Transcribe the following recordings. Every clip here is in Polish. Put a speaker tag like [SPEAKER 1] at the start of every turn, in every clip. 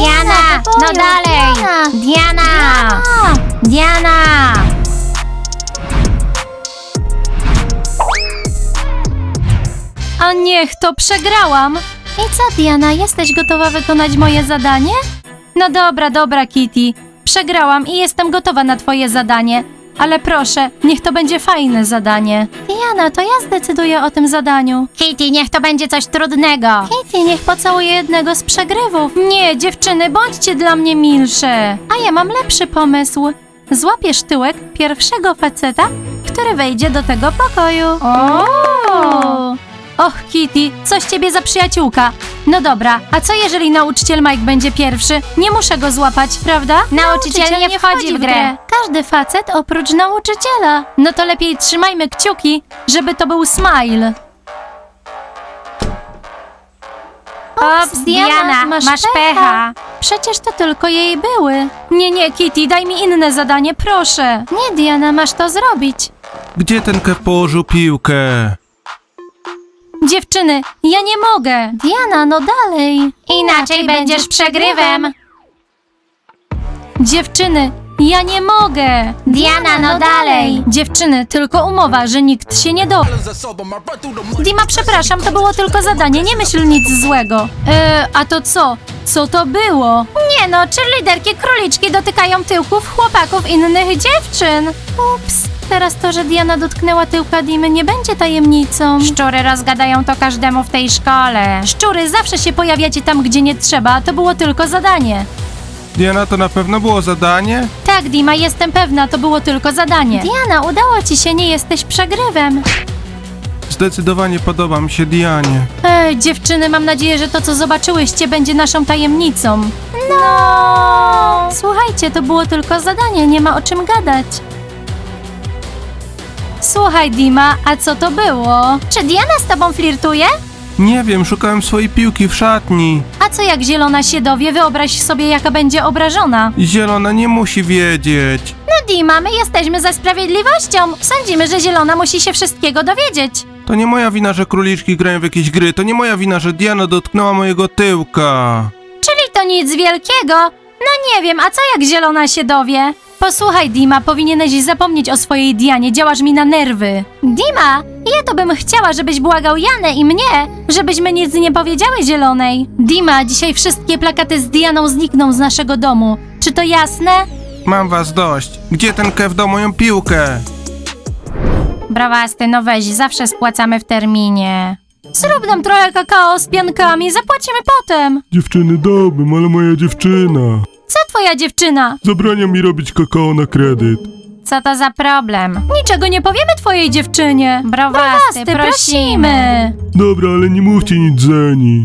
[SPEAKER 1] Diana, no dalej! Diana! Diana!
[SPEAKER 2] A niech to przegrałam! I co, Diana, jesteś gotowa wykonać moje zadanie? No dobra, Kitty. Przegrałam i jestem gotowa na twoje zadanie. Ale proszę, niech to będzie fajne zadanie. Diana, to ja zdecyduję o tym zadaniu.
[SPEAKER 1] Kitty, niech to będzie coś trudnego.
[SPEAKER 2] Kitty, niech pocałuje jednego z przegrywów. Nie, dziewczyny, bądźcie dla mnie milsze. A ja mam lepszy pomysł. Złapiesz tyłek pierwszego faceta, który wejdzie do tego pokoju. Och, Kitty, coś ciebie za przyjaciółka. No dobra, a co jeżeli nauczyciel Mike będzie pierwszy? Nie muszę go złapać, prawda?
[SPEAKER 1] Nauczyciel nie wchodzi w grę.
[SPEAKER 2] Każdy facet oprócz nauczyciela. No to lepiej trzymajmy kciuki, żeby to był Smile.
[SPEAKER 1] Ops, Diana, masz pecha.
[SPEAKER 2] Przecież to tylko jej były. Nie, Kitty, daj mi inne zadanie, proszę. Nie, Diana, masz to zrobić.
[SPEAKER 3] Gdzie ten Kev położył piłkę?
[SPEAKER 2] Dziewczyny, ja nie mogę. Diana, no dalej.
[SPEAKER 1] Inaczej będziesz przegrywem.
[SPEAKER 2] Dziewczyny, ja nie mogę.
[SPEAKER 1] Diana, no dalej.
[SPEAKER 2] Dziewczyny, tylko umowa, że nikt się nie dowie. Dima, przepraszam, to było tylko zadanie, nie myśl nic złego. A to co? Co to było? Nie no, cheerleaderki króliczki dotykają tyłków chłopaków innych dziewczyn. Ups, teraz to, że Diana dotknęła tyłka Dimy, nie będzie tajemnicą.
[SPEAKER 1] Szczury rozgadają to każdemu w tej szkole.
[SPEAKER 2] Szczury, zawsze się pojawiacie tam, gdzie nie trzeba, to było tylko zadanie.
[SPEAKER 3] Diana, to na pewno było zadanie?
[SPEAKER 2] Tak, Dima, jestem pewna, to było tylko zadanie. Diana, udało ci się, nie jesteś przegrywem.
[SPEAKER 3] Zdecydowanie podoba mi się Dianie.
[SPEAKER 2] Dziewczyny, mam nadzieję, że to, co zobaczyłyście, będzie naszą tajemnicą. No! Słuchajcie, to było tylko zadanie, nie ma o czym gadać. Słuchaj, Dima, a co to było? Czy Diana z tobą flirtuje?
[SPEAKER 3] Nie wiem, szukałem swojej piłki w szatni.
[SPEAKER 2] A co jak Zielona się dowie? Wyobraź sobie, jaka będzie obrażona.
[SPEAKER 3] Zielona nie musi wiedzieć.
[SPEAKER 2] No Dima, my jesteśmy za sprawiedliwością. Sądzimy, że Zielona musi się wszystkiego dowiedzieć.
[SPEAKER 3] To nie moja wina, że króliczki grają w jakieś gry. To nie moja wina, że Diana dotknęła mojego tyłka.
[SPEAKER 2] Czyli to nic wielkiego? No nie wiem, a co jak Zielona się dowie? Posłuchaj, Dima, powinieneś zapomnieć o swojej Dianie, działasz mi na nerwy. Dima, ja to bym chciała, żebyś błagał Janę i mnie, żebyśmy nic nie powiedziały Zielonej. Dima, dzisiaj wszystkie plakaty z Dianą znikną z naszego domu. Czy to jasne?
[SPEAKER 3] Mam was dość. Gdzie ten Kev dał moją piłkę?
[SPEAKER 1] Brawasty, no weź, zawsze spłacamy w terminie.
[SPEAKER 2] Zrób nam trochę kakao z piankami, zapłacimy potem.
[SPEAKER 3] Dziewczyny, dałbym, ale moja dziewczyna.
[SPEAKER 2] Co twoja dziewczyna?
[SPEAKER 3] Zabrania mi robić kakao na kredyt.
[SPEAKER 1] Co to za problem?
[SPEAKER 2] Niczego nie powiemy twojej dziewczynie.
[SPEAKER 1] Browasty, prosimy.
[SPEAKER 3] Dobra, ale nie mówcie nic Zeni.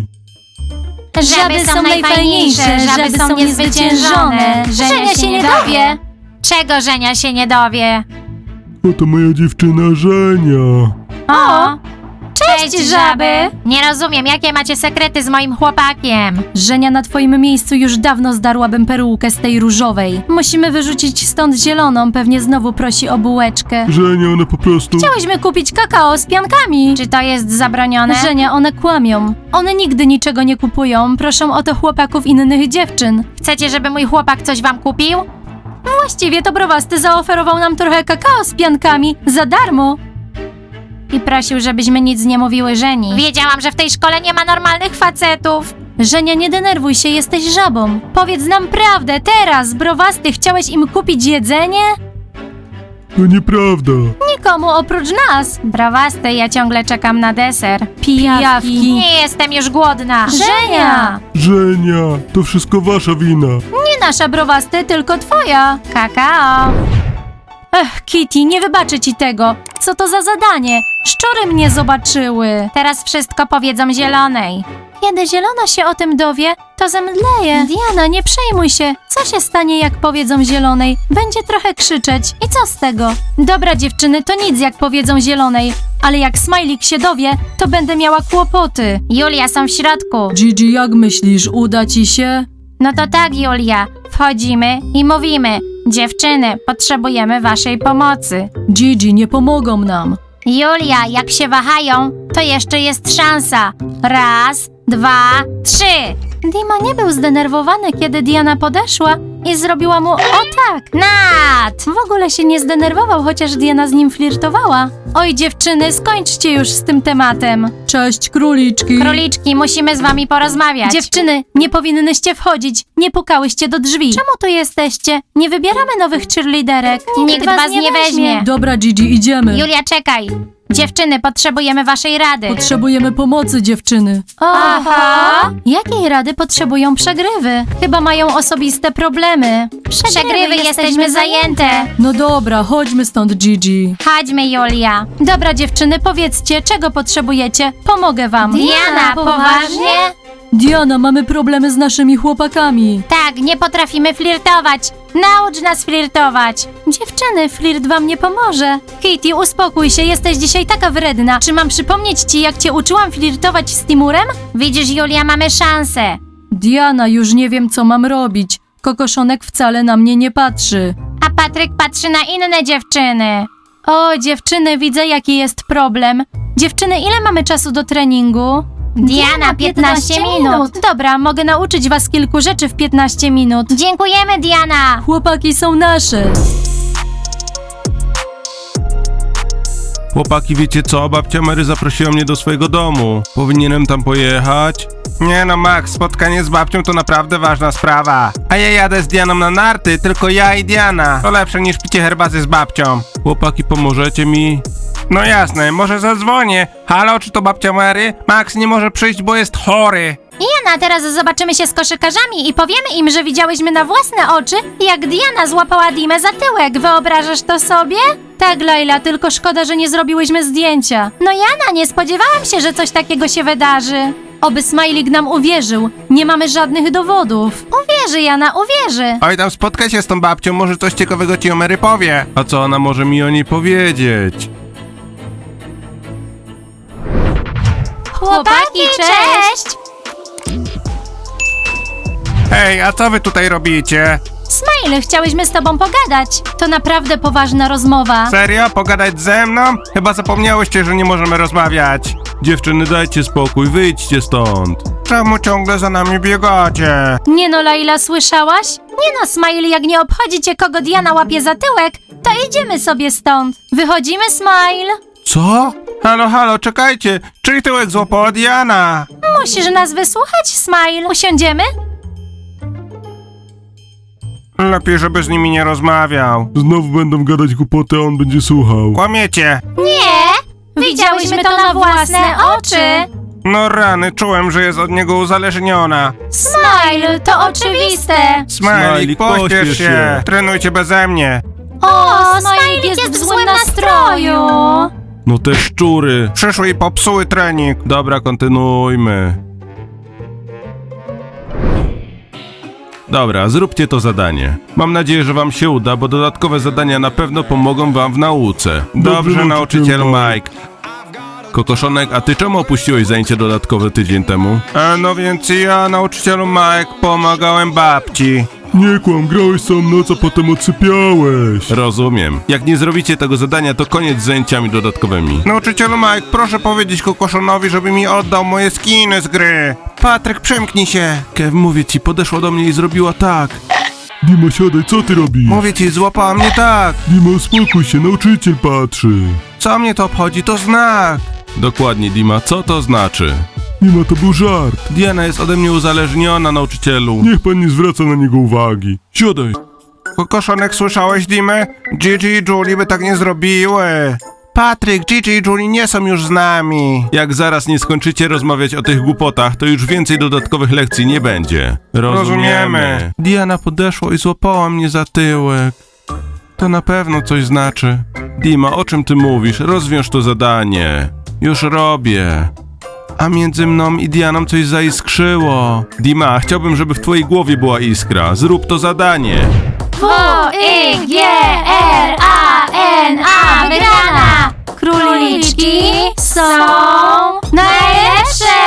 [SPEAKER 1] Żaby są najfajniejsze, żaby są niezwyciężone. Żenia się nie dowie. Czego Żenia się nie dowie?
[SPEAKER 3] Oto moja dziewczyna Żenia.
[SPEAKER 1] O!
[SPEAKER 2] Cześć, żaby!
[SPEAKER 1] Nie rozumiem, jakie macie sekrety z moim chłopakiem.
[SPEAKER 2] Żenia, na twoim miejscu już dawno zdarłabym perukę z tej różowej. Musimy wyrzucić stąd Zieloną, pewnie znowu prosi o bułeczkę.
[SPEAKER 3] Żenia, ona po prostu...
[SPEAKER 2] Chciałyśmy kupić kakao z piankami.
[SPEAKER 1] Czy to jest zabronione?
[SPEAKER 2] Żenia, one kłamią. One nigdy niczego nie kupują, proszą o to chłopaków innych dziewczyn.
[SPEAKER 1] Chcecie, żeby mój chłopak coś wam kupił?
[SPEAKER 2] Właściwie to Browasty zaoferował nam trochę kakao z piankami za darmo.
[SPEAKER 1] I prosił, żebyśmy nic nie mówiły Żeni. Wiedziałam, że w tej szkole nie ma normalnych facetów.
[SPEAKER 2] Żenia, nie denerwuj się, jesteś żabą. Powiedz nam prawdę, teraz, Browasty, chciałeś im kupić jedzenie?
[SPEAKER 3] To nieprawda.
[SPEAKER 2] Nikomu oprócz nas.
[SPEAKER 1] Browasty, ja ciągle czekam na deser.
[SPEAKER 2] Pijawki.
[SPEAKER 1] Nie jestem już głodna.
[SPEAKER 2] Żenia!
[SPEAKER 3] Żenia, to wszystko wasza wina.
[SPEAKER 2] Nie nasza, Browasty, tylko twoja.
[SPEAKER 1] Kakao.
[SPEAKER 2] Ech, Kitty, nie wybaczę ci tego. Co to za zadanie? Szczury mnie zobaczyły.
[SPEAKER 1] Teraz wszystko powiedzą Zielonej.
[SPEAKER 2] Kiedy Zielona się o tym dowie, to zemdleje. Diana, nie przejmuj się. Co się stanie, jak powiedzą Zielonej? Będzie trochę krzyczeć. I co z tego? Dobra, dziewczyny, to nic, jak powiedzą Zielonej. Ale jak Smajlik się dowie, to będę miała kłopoty.
[SPEAKER 1] Julia, są w środku.
[SPEAKER 2] Gigi, jak myślisz, uda ci się?
[SPEAKER 1] No to tak, Julia. Wchodzimy i mówimy. Dziewczyny, potrzebujemy waszej pomocy.
[SPEAKER 2] Gigi, nie pomogą nam.
[SPEAKER 1] Julia, jak się wahają, to jeszcze jest szansa. 1, 2, 3.
[SPEAKER 2] Dima nie był zdenerwowany, kiedy Diana podeszła i zrobiła mu o tak.
[SPEAKER 1] Nat!
[SPEAKER 2] W ogóle się nie zdenerwował, chociaż Diana z nim flirtowała. Oj dziewczyny, skończcie już z tym tematem. Cześć króliczki.
[SPEAKER 1] Króliczki, musimy z wami porozmawiać.
[SPEAKER 2] Dziewczyny, nie powinnyście wchodzić. Nie pukałyście do drzwi. Czemu tu jesteście? Nie wybieramy nowych cheerleaderek.
[SPEAKER 1] Nikt was nie weźmie.
[SPEAKER 4] Dobra, Gigi, idziemy.
[SPEAKER 1] Julia, czekaj. Dziewczyny, potrzebujemy waszej rady.
[SPEAKER 4] Potrzebujemy pomocy, dziewczyny.
[SPEAKER 2] Aha! Jakiej rady potrzebują przegrywy? Chyba mają osobiste problemy.
[SPEAKER 1] Przegrywy, jesteśmy zajęte.
[SPEAKER 4] No dobra, chodźmy stąd, Gigi.
[SPEAKER 1] Chodźmy, Julia.
[SPEAKER 2] Dobra dziewczyny, powiedzcie, czego potrzebujecie? Pomogę wam.
[SPEAKER 1] Diana, poważnie?
[SPEAKER 4] Diana, mamy problemy z naszymi chłopakami.
[SPEAKER 1] Tak, nie potrafimy flirtować. Naucz nas flirtować.
[SPEAKER 2] Dziewczyny, flirt wam nie pomoże. Kitty, uspokój się, jesteś dzisiaj taka wredna. Czy mam przypomnieć ci, jak cię uczyłam flirtować z Timurem?
[SPEAKER 1] Widzisz, Julia, mamy szansę.
[SPEAKER 4] Diana, już nie wiem, co mam robić. Kokoszonek wcale na mnie nie patrzy.
[SPEAKER 1] A Patryk patrzy na inne dziewczyny.
[SPEAKER 2] O, dziewczyny, widzę, jaki jest problem. Dziewczyny, ile mamy czasu do treningu?
[SPEAKER 1] Diana, 15 minut.
[SPEAKER 2] Dobra, mogę nauczyć was kilku rzeczy w 15 minut.
[SPEAKER 1] Dziękujemy, Diana.
[SPEAKER 4] Chłopaki są nasze.
[SPEAKER 3] Chłopaki, wiecie co? Babcia Mary zaprosiła mnie do swojego domu. Powinienem tam pojechać? Nie no, Max, spotkanie z babcią to naprawdę ważna sprawa. A ja jadę z Dianą na narty, tylko ja i Diana. To lepsze niż picie herbaty z babcią. Chłopaki, pomożecie mi? No jasne, może zadzwonię. Halo, czy to babcia Mary? Max nie może przyjść, bo jest chory.
[SPEAKER 2] Jana, teraz zobaczymy się z koszykarzami i powiemy im, że widziałyśmy na własne oczy, jak Diana złapała Dimę za tyłek. Wyobrażasz to sobie? Tak, Laila, tylko szkoda, że nie zrobiłyśmy zdjęcia. No Jana, nie spodziewałam się, że coś takiego się wydarzy. Oby Smajlik nam uwierzył. Nie mamy żadnych dowodów. Uwierzy, Jana, uwierzy.
[SPEAKER 3] Oj, tam spotkaj się z tą babcią, może coś ciekawego ci o Mary powie. A co ona może mi o niej powiedzieć?
[SPEAKER 2] Chłopaki, cześć!
[SPEAKER 3] Hej, a co wy tutaj robicie?
[SPEAKER 2] Smile, chciałyśmy z tobą pogadać. To naprawdę poważna rozmowa.
[SPEAKER 3] Serio? Pogadać ze mną? Chyba zapomniałyście, że nie możemy rozmawiać. Dziewczyny, dajcie spokój, wyjdźcie stąd. Czemu ciągle za nami biegacie?
[SPEAKER 2] Nie no, Laila, słyszałaś? Nie no, Smile, jak nie obchodzi cię, kogo Diana łapie za tyłek, to idziemy sobie stąd. Wychodzimy, Smile?
[SPEAKER 3] Co? Halo, halo, czekajcie. Czyj tyłek złapała Diana?
[SPEAKER 2] Musisz nas wysłuchać, Smile. Usiądziemy?
[SPEAKER 3] Lepiej, żeby z nimi nie rozmawiał.
[SPEAKER 5] Znowu będą gadać głupoty, a on będzie słuchał.
[SPEAKER 3] Kłamiecie.
[SPEAKER 2] Nie! Widziałyśmy to na własne oczy.
[SPEAKER 3] No rany, czułem, że jest od niego uzależniona.
[SPEAKER 2] Smile, to oczywiste.
[SPEAKER 3] Smajlik, pośpiesz się. Trenujcie beze mnie.
[SPEAKER 2] O, Smajlik jest w złym nastroju.
[SPEAKER 3] No te szczury. Przyszły i popsuły trening. Dobra, kontynuujmy. Dobra, zróbcie to zadanie. Mam nadzieję, że wam się uda, bo dodatkowe zadania na pewno pomogą wam w nauce. Dobrze, nauczyciel Mike. Kokoszonek, a ty czemu opuściłeś zajęcie dodatkowe tydzień temu? No więc ja, nauczycielu Mike, pomagałem babci.
[SPEAKER 5] Nie kłam, grałeś całą noc, a potem odsypiałeś.
[SPEAKER 3] Rozumiem. Jak nie zrobicie tego zadania, to koniec z zajęciami dodatkowymi. Nauczycielu Mike, proszę powiedzieć Kokoszonowi, żeby mi oddał moje skiny z gry. Patryk, przemknij się. Kev, mówię ci, podeszła do mnie i zrobiła tak.
[SPEAKER 5] Dima, siadaj, co ty robisz?
[SPEAKER 3] Mówię ci, złapała mnie tak.
[SPEAKER 5] Dima, uspokój się, nauczyciel patrzy.
[SPEAKER 3] Co mnie to obchodzi? To znak. Dokładnie, Dima, co to znaczy?
[SPEAKER 5] Dima, to był żart.
[SPEAKER 3] Diana jest ode mnie uzależniona, nauczycielu.
[SPEAKER 5] Niech pan nie zwraca na niego uwagi. Siadaj.
[SPEAKER 3] Kokoszonek, słyszałeś, Dimę? Gigi i Julie by tak nie zrobiły. Patryk, Gigi i Julie nie są już z nami. Jak zaraz nie skończycie rozmawiać o tych głupotach, to już więcej dodatkowych lekcji nie będzie. Rozumiemy. Diana podeszła i złapała mnie za tyłek. To na pewno coś znaczy. Dima, o czym ty mówisz? Rozwiąż to zadanie. Już robię. A między mną i Dianą coś zaiskrzyło. Dima, chciałbym, żeby w twojej głowie była iskra. Zrób to zadanie.
[SPEAKER 2] W-I-G-R-A-N-A, wygrana! Króliczki są najlepsze!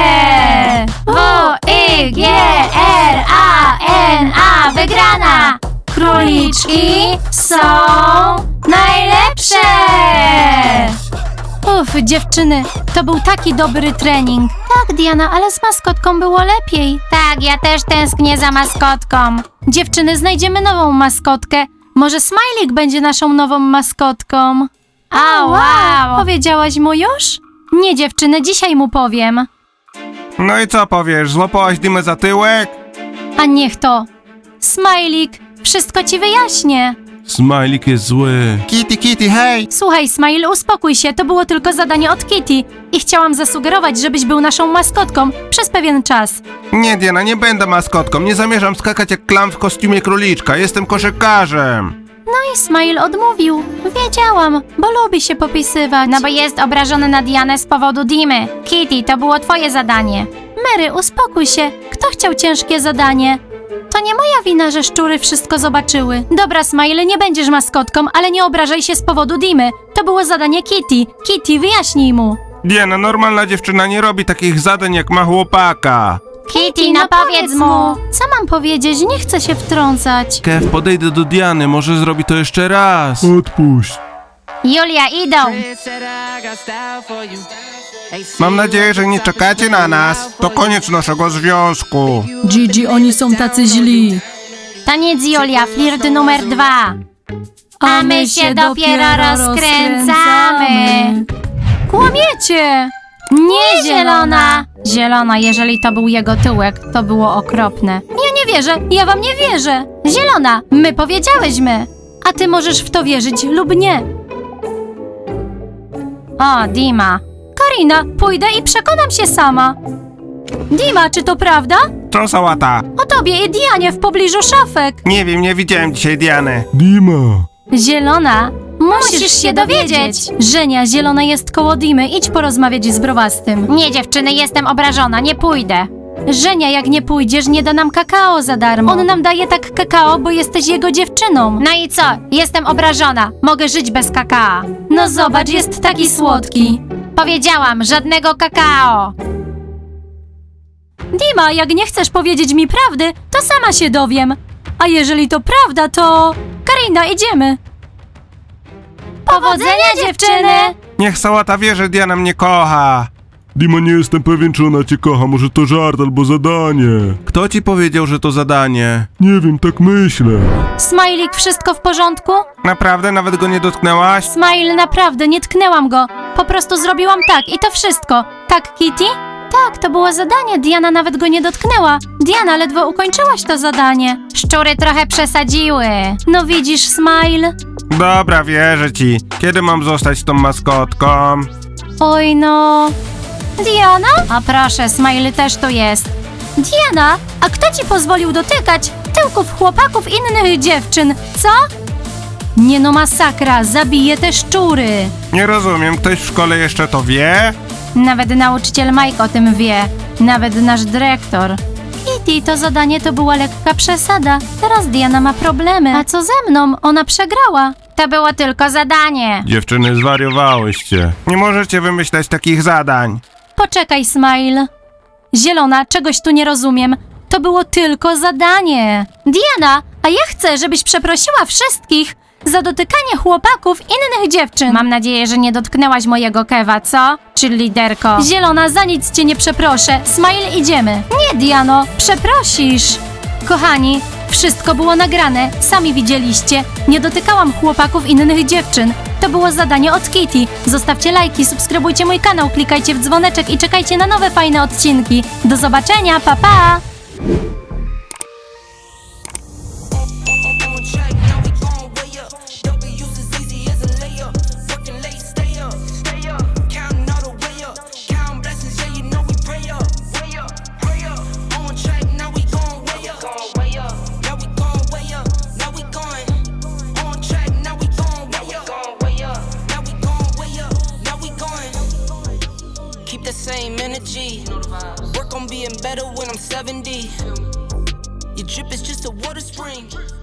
[SPEAKER 2] W-I-G-R-A-N-A, wygrana! Króliczki są najlepsze! Dziewczyny, to był taki dobry trening. Tak, Diana, ale z maskotką było lepiej.
[SPEAKER 1] Tak, ja też tęsknię za maskotką.
[SPEAKER 2] Dziewczyny, znajdziemy nową maskotkę. Może Smajlik będzie naszą nową maskotką.
[SPEAKER 1] O, wow!
[SPEAKER 2] Powiedziałaś mu już? Nie, dziewczyny, dzisiaj mu powiem.
[SPEAKER 3] No i co powiesz, złapałaś Dimę za tyłek?
[SPEAKER 2] A niech to. Smajlik, wszystko ci wyjaśnię.
[SPEAKER 3] Smajlik jest zły. Kitty, hej!
[SPEAKER 2] Słuchaj, Smile, uspokój się, to było tylko zadanie od Kitty. I chciałam zasugerować, żebyś był naszą maskotką przez pewien czas.
[SPEAKER 3] Nie, Diana, nie będę maskotką. Nie zamierzam skakać jak klam w kostiumie króliczka. Jestem koszykarzem.
[SPEAKER 2] No i Smile odmówił. Wiedziałam, bo lubi się popisywać.
[SPEAKER 1] No bo jest obrażony na Dianę z powodu Dimy. Kitty, to było twoje zadanie.
[SPEAKER 2] Mary, uspokój się. Kto chciał ciężkie zadanie? To nie moja wina, że szczury wszystko zobaczyły. Dobra, Smile, nie będziesz maskotką, ale nie obrażaj się z powodu Dimy. To było zadanie Kitty. Kitty, wyjaśnij mu.
[SPEAKER 3] Diana, normalna dziewczyna nie robi takich zadań jak ma chłopaka.
[SPEAKER 1] Kitty, no powiedz mu.
[SPEAKER 2] Co mam powiedzieć? Nie chcę się wtrącać.
[SPEAKER 3] Kev, podejdę do Diany, może zrobi to jeszcze raz.
[SPEAKER 5] Odpuść.
[SPEAKER 1] Julia, idą.
[SPEAKER 3] Mam nadzieję, że nie czekacie na nas. To koniec naszego związku.
[SPEAKER 4] Gigi, oni są tacy źli.
[SPEAKER 1] Taniec Julia, flirt numer 2. A my się dopiero rozkręcamy.
[SPEAKER 2] Kłamiecie! Nie, Zielona! Zielona, jeżeli to był jego tyłek, to było okropne. Ja nie wierzę, ja wam nie wierzę! Zielona, my powiedziałyśmy! A ty możesz w to wierzyć lub nie.
[SPEAKER 1] O, Dima.
[SPEAKER 2] Karina, pójdę i przekonam się sama. Dima, czy to prawda?
[SPEAKER 3] Co sałata?
[SPEAKER 2] O tobie i Dianie w pobliżu szafek.
[SPEAKER 3] Nie wiem, nie widziałem dzisiaj Diany.
[SPEAKER 5] Dima.
[SPEAKER 2] Zielona, musisz się dowiedzieć. Żenia, Zielona jest koło Dimy, idź porozmawiać z Browastym.
[SPEAKER 1] Nie, dziewczyny, jestem obrażona, nie pójdę.
[SPEAKER 2] Żenia, jak nie pójdziesz, nie da nam kakao za darmo. On nam daje tak kakao, bo jesteś jego dziewczyną.
[SPEAKER 1] No i co? Jestem obrażona. Mogę żyć bez kakao.
[SPEAKER 2] No zobacz, jest taki słodki.
[SPEAKER 1] Powiedziałam, żadnego kakao.
[SPEAKER 2] Dima, jak nie chcesz powiedzieć mi prawdy, to sama się dowiem. A jeżeli to prawda, to... Karina, idziemy.
[SPEAKER 1] Powodzenia, dziewczyny!
[SPEAKER 3] Niech sałata wie, że Diana mnie kocha.
[SPEAKER 5] Dima, nie jestem pewien, czy ona cię kocha. Może to żart albo zadanie.
[SPEAKER 3] Kto ci powiedział, że to zadanie?
[SPEAKER 5] Nie wiem, tak myślę.
[SPEAKER 2] Smajlik, wszystko w porządku?
[SPEAKER 3] Naprawdę? Nawet go nie dotknęłaś?
[SPEAKER 2] Smile, naprawdę, nie tknęłam go. Po prostu zrobiłam tak i to wszystko. Tak, Kitty? Tak, to było zadanie, Diana nawet go nie dotknęła. Diana, ledwo ukończyłaś to zadanie.
[SPEAKER 1] Szczury trochę przesadziły.
[SPEAKER 2] No widzisz, Smile?
[SPEAKER 3] Dobra, wierzę ci. Kiedy mam zostać tą maskotką?
[SPEAKER 2] Oj no... Diana?
[SPEAKER 1] O proszę, Smile też tu jest.
[SPEAKER 2] Diana, a kto ci pozwolił dotykać tyłków chłopaków innych dziewczyn, co? Nie no, masakra, zabiję te szczury.
[SPEAKER 3] Nie rozumiem, ktoś w szkole jeszcze to wie?
[SPEAKER 1] Nawet nauczyciel Mike o tym wie. Nawet nasz dyrektor.
[SPEAKER 2] Kitty, to zadanie to była lekka przesada. Teraz Diana ma problemy. A co ze mną? Ona przegrała.
[SPEAKER 1] To było tylko zadanie.
[SPEAKER 3] Dziewczyny, zwariowałyście. Nie możecie wymyślać takich zadań.
[SPEAKER 2] Poczekaj, Smile. Zielona, czegoś tu nie rozumiem. To było tylko zadanie. Diana, a ja chcę, żebyś przeprosiła wszystkich za dotykanie chłopaków innych dziewczyn.
[SPEAKER 1] Mam nadzieję, że nie dotknęłaś mojego Kewa, co? Czy liderko?
[SPEAKER 2] Zielona, za nic cię nie przeproszę. Smile, idziemy. Nie, Diano, przeprosisz. Kochani, wszystko było nagrane, sami widzieliście. Nie dotykałam chłopaków innych dziewczyn. To było zadanie od Kitty. Zostawcie lajki, subskrybujcie mój kanał, klikajcie w dzwoneczek i czekajcie na nowe fajne odcinki. Do zobaczenia, pa pa!
[SPEAKER 6] Keep the same energy. Work on being better when I'm 70. Your drip is just a water spring.